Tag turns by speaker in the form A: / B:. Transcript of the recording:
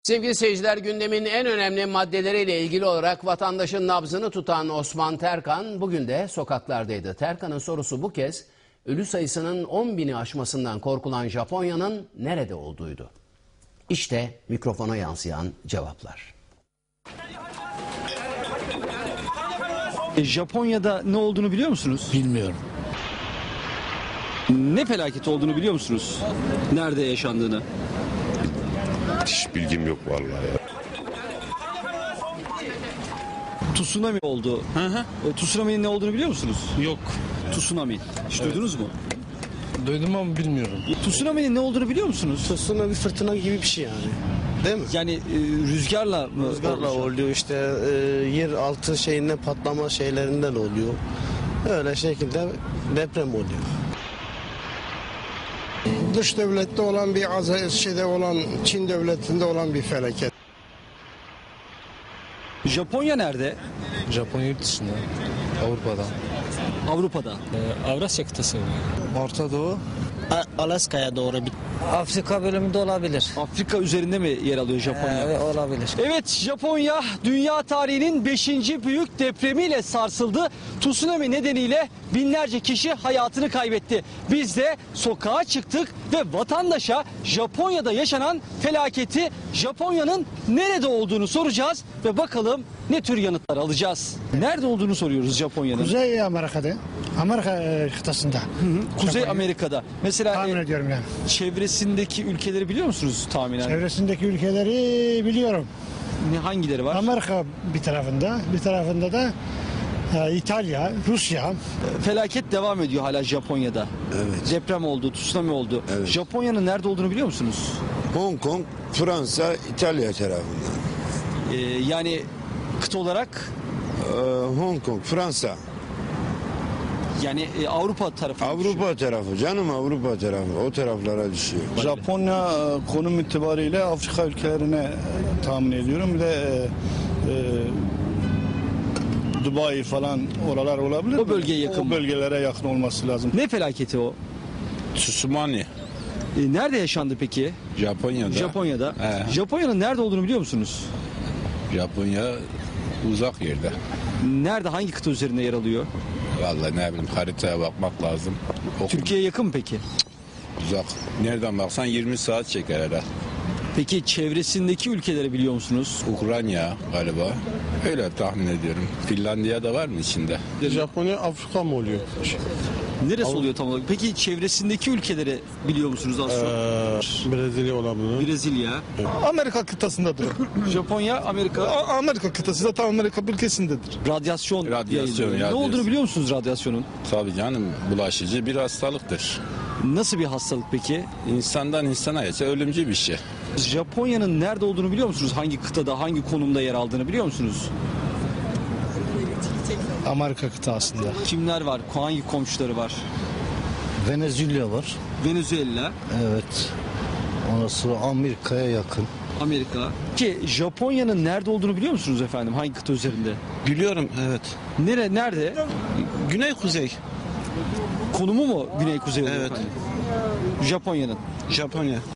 A: Sevgili seyirciler, gündemin en önemli maddeleriyle ilgili olarak vatandaşın nabzını tutan Osman Terkan bugün de sokaklardaydı. Terkan'ın sorusu bu kez ölü sayısının 10.000'i aşmasından korkulan Japonya'nın nerede olduğuydu. İşte mikrofona yansıyan cevaplar.
B: Japonya'da ne olduğunu biliyor musunuz?
C: Bilmiyorum.
B: Ne felaket olduğunu biliyor musunuz? Nerede yaşandığını?
D: Hiç bilgim yok vallahi ya.
B: Tsunami oldu. Tsunami'nin ne olduğunu biliyor musunuz?
C: Yok.
B: Tsunami. Hiç duydunuz mu?
C: Duydum ama bilmiyorum.
B: Tsunami'nin ne olduğunu biliyor musunuz?
E: Tsunami bir fırtına gibi bir şey yani. Değil mi?
B: Yani rüzgarla mı?
E: Rüzgarla
B: olmuş?
E: oluyor işte yer altı şeyinden patlama şeylerinden oluyor. Öyle şekilde deprem oluyor.
F: Dış devlette olan bir şeyde olan Çin devletinde olan bir felaket.
B: Japonya nerede?
C: Japonya yurt dışında. Avrupa'da.
B: Avrupa'da.
G: Avrasya kıtası.
C: Orta Doğu.
E: Alaska'ya doğru bir
G: Afrika bölümünde olabilir.
B: Afrika üzerinde mi yer alıyor Japonya?
G: Evet, olabilir.
B: Evet, Japonya dünya tarihinin 5. büyük depremiyle sarsıldı. Tsunami nedeniyle binlerce kişi hayatını kaybetti. Biz de sokağa çıktık ve vatandaşa Japonya'da yaşanan felaketi, Japonya'nın nerede olduğunu soracağız ve bakalım ne tür yanıtlar alacağız. Nerede olduğunu soruyoruz Japonya'nın.
F: Kuzey Amerika'da. Amerika kıtasında.
B: Kuzey
F: Japonya.
B: Amerika'da. Mesela
F: Tahmin ediyorum yani.
B: çevresindeki ülkeleri biliyor musunuz tahminen?
F: Çevresindeki ülkeleri biliyorum.
B: Hangileri var?
F: Amerika bir tarafında, bir tarafında da İtalya, Rusya.
B: Felaket devam ediyor hala Japonya'da.
D: Evet.
B: Deprem oldu, tsunami oldu.
D: Evet.
B: Japonya'nın nerede olduğunu biliyor musunuz?
D: Hong Kong, Fransa, İtalya tarafından.
B: Yani kıta olarak
D: Hong Kong, Fransa,
B: yani Avrupa tarafı.
D: Avrupa tarafı canım, Avrupa tarafı o taraflara düşüyor.
H: Japonya konum itibariyle Afrika ülkelerine tahmin ediyorum. Bir de Dubai falan oralar olabilir.
B: O bölgeye yakın
H: O
B: mı?
H: bölgelere yakın olması lazım.
B: Ne felaketi o?
I: Tsunami
B: Nerede yaşandı peki?
I: Japonya'da.
B: Japonya'da.
I: He.
B: Japonya'nın nerede olduğunu biliyor musunuz?
I: Japonya uzak yerde.
B: Nerede, hangi kıta üzerinde yer alıyor?
I: Vallahi ne bileyim, haritaya bakmak lazım.
B: Türkiye'ye yakın mı peki?
I: Uzak. Nereden baksan 20 saat çeker herhalde.
B: Peki çevresindeki ülkeleri biliyor musunuz?
I: Ukrayna galiba. Öyle tahmin ediyorum. Finlandiya da var mı içinde?
F: Japonya Afrika mı oluyor?
B: Neresi oluyor tam olarak? Peki çevresindeki ülkeleri biliyor musunuz az çok?
F: Brezilya olabilir.
B: Brezilya,
H: Amerika kıtasındadır.
B: Japonya, Amerika.
H: Amerika kıtası zaten Amerika ülkesindedir.
B: Radyasyon yayılıyor. Ne
I: radyasyon.
B: olduğunu biliyor musunuz radyasyonun?
I: Tabii canım, bulaşıcı bir hastalıktır.
B: Nasıl bir hastalık peki?
I: İnsandan insana geçe ölümcül bir şey.
B: Japonya'nın nerede olduğunu biliyor musunuz? Hangi kıtada, hangi konumda yer aldığını biliyor musunuz?
H: Amerika kıtasında.
B: Kimler var? Hangi komşuları var?
C: Venezia var.
B: Venezuela,
C: Evet. Ondan sonra Amerika'ya yakın.
B: Amerika. Ki Japonya'nın nerede olduğunu biliyor musunuz efendim? Hangi kıta üzerinde?
E: Biliyorum evet.
B: Nerede?
E: Güney kuzey
B: Konumu mu güney kuzey oluyor
E: Evet.
B: efendim? Japonya'nın.
E: Japonya.